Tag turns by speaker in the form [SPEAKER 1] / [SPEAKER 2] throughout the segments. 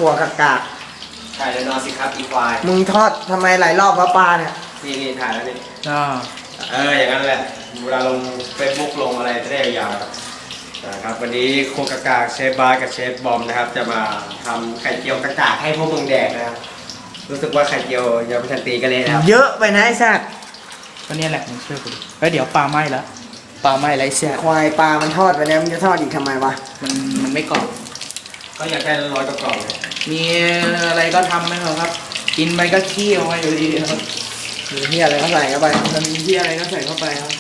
[SPEAKER 1] ขัวกากา
[SPEAKER 2] ถ่ายแล้วนอนสิครับอีควาย
[SPEAKER 1] มึงทอดทำไมหลายรอบวะปลาเนี่ย
[SPEAKER 2] นี่ถ่ายแล้วนี่
[SPEAKER 3] อ่า
[SPEAKER 2] อย่างนั้นแหละเวลาลงเฟซบุ๊กลงอะไรจะได้ยาวๆนะครับวันนี้โคกากาเชฟบาร์กับเชฟบอมนะครับจะมาทำไข่เจียวกากาให้พวกมึงแดกนะครับรู้สึกว่าไข่เจียวยังไม่ทันตีกันเลยนะครับ
[SPEAKER 1] เยอะไปนะไอ้สัตว์
[SPEAKER 3] ก็เนี่ยแหละมึงช่วยกูดิแล้วเดี๋ยวปลาไหม้แล้วปลาไหม้ไรเสีย
[SPEAKER 1] ควายปลามันทอดไปแล้วมึงจะทอดอีกทำไมวะ
[SPEAKER 3] มันไม่กรอบ
[SPEAKER 2] ก็อยากได้ร้อยกล่องเลย
[SPEAKER 3] มีอะไรก็ทำไหมครับ กินไปก็ขี้ออกมาอยู่ดีครับ
[SPEAKER 1] มีเฮียอะไรก็ใส่เข้าไป
[SPEAKER 3] มันมีที่อะไรก็ใส่เข้าไปครับ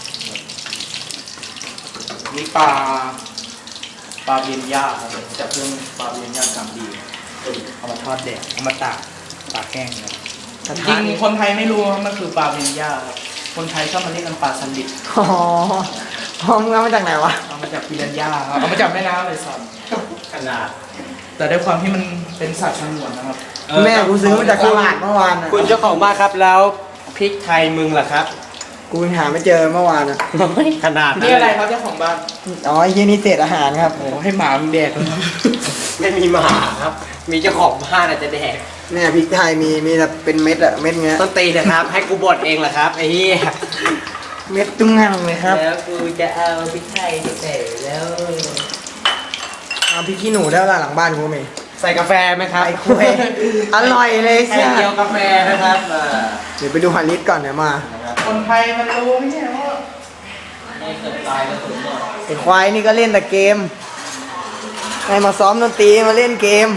[SPEAKER 3] นี่ปลาเบียนย่าครับจากเครื่องปลาเบียนย่าสามดีเอามาทอดแดดเอามาตากตากแห้งครับ
[SPEAKER 1] กระ
[SPEAKER 3] จ
[SPEAKER 1] ทะ
[SPEAKER 3] ริง
[SPEAKER 1] นี่
[SPEAKER 3] คนไทยไม่รู้ว่ามันคือปลาเบียนย่าครับคนไทยชอบมาเรียกกันปลาสลิด
[SPEAKER 1] อ๋อมึงเอามาจากไหนวะ
[SPEAKER 3] เอามาจากปิรันย่าครับเอามาจากแม่น้ำเลยสัตว์
[SPEAKER 2] ขนาด
[SPEAKER 3] แต่ด้วยความที่มันเป็นสัตว์สงวนนะครับ
[SPEAKER 1] แม่กูซื้อมาจากตลาดเมื่อวานน่ะ
[SPEAKER 2] คุณเจ้าของบ้านครับแล้วพริกไทยมึงล่ะครับ
[SPEAKER 1] กูหาไม่เจอเมื่อวานอ่ะ
[SPEAKER 2] ขนาดนั้น
[SPEAKER 3] นี่อะไรครับเจ้าของบ้าน
[SPEAKER 1] อ๋อไอ้เฮียนี่เศษอาหารครับ
[SPEAKER 3] โอ้ให้หมามึงแดกเลย
[SPEAKER 2] ไม่มีหมาครับ มีเจ้าของบ้านอาจจะแดก
[SPEAKER 1] เนี่ยพริกไทยมีแบบเป็นเม็ดอะเม็ดเงี้ย
[SPEAKER 2] ต้นตีนะครับ ให้กูบดเองเหรอครับไอ้เหี้ย
[SPEAKER 1] เม็ดตุ้งงังเลยครับ
[SPEAKER 2] แล้วกูจะเอาพริกไทยใส่แล้ว
[SPEAKER 1] เอาพริกขี้หนูได้ละหลังบ้านกูมี
[SPEAKER 2] ใส่กาแฟไหมครับ
[SPEAKER 1] ไอ้คุยอร่อยเลย
[SPEAKER 2] ไข่
[SPEAKER 1] ใช่
[SPEAKER 2] เจียวกาแฟนะครับ
[SPEAKER 1] เดี๋ยวไปดูฮาริสก่อนเดี๋ยวมา
[SPEAKER 3] คนไทยมันรู้ไม่ใช่ว่า
[SPEAKER 2] ไม่เกิดตายก็ถึงหมด
[SPEAKER 1] ไอ้ควายนี่ก็เล่นแต่เกมให้มาซ้อมดนตรีมาเล่นเกม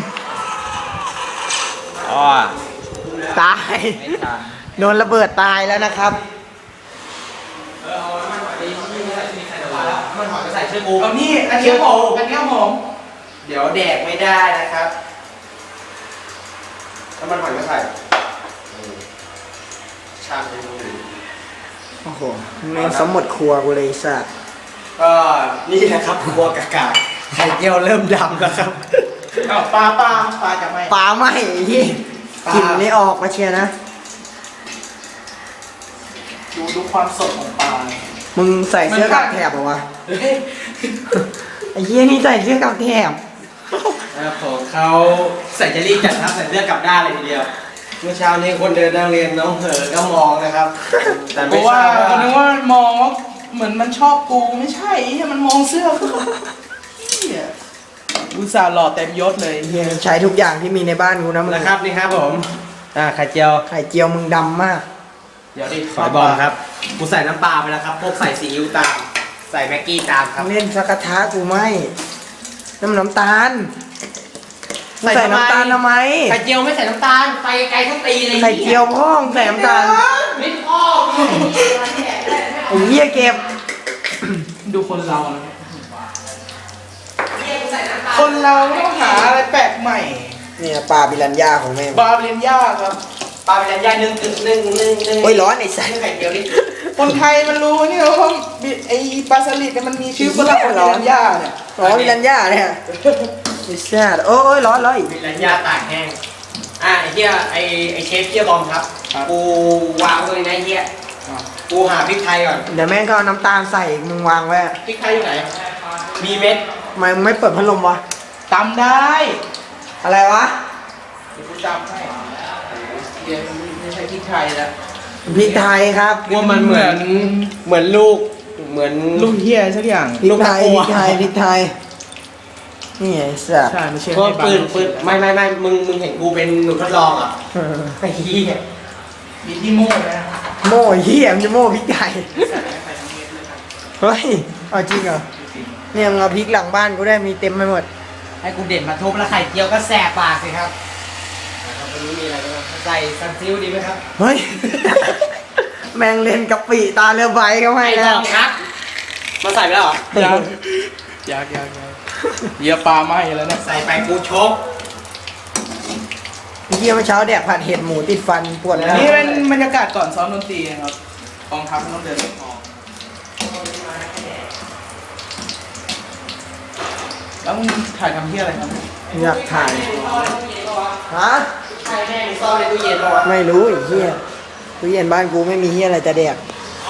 [SPEAKER 2] อ๋อ
[SPEAKER 1] ตายโดนระเบิดตายแล้วนะครับ
[SPEAKER 2] มันหอยใส่ชื่อกู
[SPEAKER 3] เอานี่อันนี้หอมอันนี้หอม
[SPEAKER 2] เดี๋ยวแดกไม่ได้นะครับถ้ามันหอยไม่ใส่ชามเป็นมือ
[SPEAKER 1] โอ้โหแม่งสมหมดครัวกูเลยสัส
[SPEAKER 2] ก็นี่แหละครับครัวกากาไข่เจียวเริ่มดำแล้วครับ
[SPEAKER 3] เอาปลาจากไหน
[SPEAKER 1] ปลาไหมไอ้ที่
[SPEAKER 2] ปลา
[SPEAKER 1] กลิ่นนี่ออกมาเชียร์นะ
[SPEAKER 3] ดูความสดของปลา
[SPEAKER 1] มึงใส่เสื้อกับแถบเหรอวะ ไอ้เหี้ยนี่ใส่เสื้อกับแถบ
[SPEAKER 2] ของเขาใส่เจลลี่จัดครับใส่เลือดกลับด้านเลยทีเดียว เมื่อเช้านี้คนเดินนั่งเรียนน้องเหอก็มองนะครับ แต่
[SPEAKER 3] เพ
[SPEAKER 2] ไม่
[SPEAKER 3] ราะ
[SPEAKER 2] ท
[SPEAKER 3] ว่า
[SPEAKER 2] ราบ
[SPEAKER 3] คนนึกว่ามองว่าเหมือนมันชอบกูไม่ใช่มันมองเสื้อกูเหี้ยอุตส่าห์หล่อเต็มยศเลย
[SPEAKER 1] ไอ้เหี้ยใช้ทุกอย่างที่มีในบ้านกูนะมึง
[SPEAKER 2] นะครับนี่ครับผมไข่เจียว
[SPEAKER 1] ไข่เจียวมึงดำมาก
[SPEAKER 3] เดี๋ยวดิ
[SPEAKER 2] ฝอยบอมครับกูใส่น้ำปลาไปแล้วครับพวกใส่ซีอิ๊วตามใส่แม็กกี้ตามครับ
[SPEAKER 1] เล่นสักกระทะกูไม่น้ำตาลมึงใส่น้ำตาลทำไม
[SPEAKER 2] ไข่เจียวไม่ใส่น้ำตาลไปไกลทั้งตีเลย
[SPEAKER 1] ไข่เจียวพ่องใส่น้ำตาล
[SPEAKER 2] ไม่พ่อ
[SPEAKER 1] ไอ้เหี้ยเก็บ
[SPEAKER 3] ดูคนเรานะ
[SPEAKER 2] ใส่น้ำตาล
[SPEAKER 3] คนเราต้องหาอะไรแปลกใหม่
[SPEAKER 1] เนี่ยปลาบิลันยาของแม่ง
[SPEAKER 3] บาเรียนยากครับ
[SPEAKER 2] ปลาเป็นยายนึ่ง
[SPEAKER 1] โอ้ยร้อนไอ้สัส
[SPEAKER 2] ไข่เจียวนี่
[SPEAKER 3] คนไทยมันรู้นี่ว่าไอ้ปลาสลิดเนี่ยมันมีชื่อฝรั่งว่าบาเรียนยาเนี่ย
[SPEAKER 1] อ๋อบิลันยาเนี่ยไอ้สัสโอ้ยร้อนอีก
[SPEAKER 2] เป็นยาตากแห้งไอ้เหี้ยไอ้เชฟเหี้ยบอมครับกูวางเลยนะเหี้ยกูหาพริกไทยก่อน
[SPEAKER 1] เดี๋ยวแม่งก็เอาน้ำตาลใส่อีกมึงวางไว้
[SPEAKER 2] พริกไทยอยู่ไหนมีเม็ด
[SPEAKER 1] ทำไมมึงไม่เปิดพัดลมวะ
[SPEAKER 3] ตำได้
[SPEAKER 1] อะไรวะ
[SPEAKER 3] เดี๋ยวกูจำให้เดี๋ยวไม่ใช่พริกไทยแล้ว
[SPEAKER 1] พริกไทยครับ
[SPEAKER 2] ว่ามันเหมือนลูกเหมือน
[SPEAKER 3] ลูกเฮียสักอย่าง
[SPEAKER 1] พริกไทย
[SPEAKER 2] ลู
[SPEAKER 1] พ
[SPEAKER 2] ก
[SPEAKER 1] ริ
[SPEAKER 2] ตะ
[SPEAKER 1] ก
[SPEAKER 2] กั่
[SPEAKER 1] ไทยว พริกไทยนี่ไอ้สัส
[SPEAKER 3] ใช่ไม่ใช่
[SPEAKER 2] เพราะ
[SPEAKER 3] ให้
[SPEAKER 2] ปืนไม่มึงเห็นกูเป็นหนูทดลองอ่ะไอ้เหี้ย
[SPEAKER 3] มีที่โม่ไหมนะ
[SPEAKER 1] โม่เหี้ยมันจะโม่พริกไทยเฮ้ยเอาจริงเหรอเนี่ยมึงเอาพริกหลังบ้านกูได้มีเต็มไปหมด
[SPEAKER 2] ให้กูเด่นมาทุบแล้วไข่เจียวก็แสบปากสิครับวันนี้มีอะไรบ้างใส่ซันซิลดีไหมครับ
[SPEAKER 1] เฮ้ย แมงเล่นกะปิตาเรือใบเขาให้
[SPEAKER 2] ไอ้
[SPEAKER 1] แล้
[SPEAKER 2] บ
[SPEAKER 1] ว
[SPEAKER 2] อมครับมาใส่ไปแล้วเหรอ
[SPEAKER 3] ยากเยียปลาไหมแล้วเนี่ย
[SPEAKER 2] ใส่ไปกูชก
[SPEAKER 1] เมื่อเช้าแดกผัดเห็ดหมูติดฟันปวดแล้ว
[SPEAKER 3] นี่เป็นบรรยากาศก่อนซ้อมดนตรีนะครับกองทัพต้องเดินทองแล้วมึงถ่ายทำที่อะไรครับ
[SPEAKER 1] อยากถ่ายฮะ
[SPEAKER 2] ใช่แม่งซ่อนในตู้เย็นปะวะ
[SPEAKER 1] ไม่รู้ไอ้เหี้ยตู้เย็นบ้านกูไม่มีเหี้ยอะไรจะแดก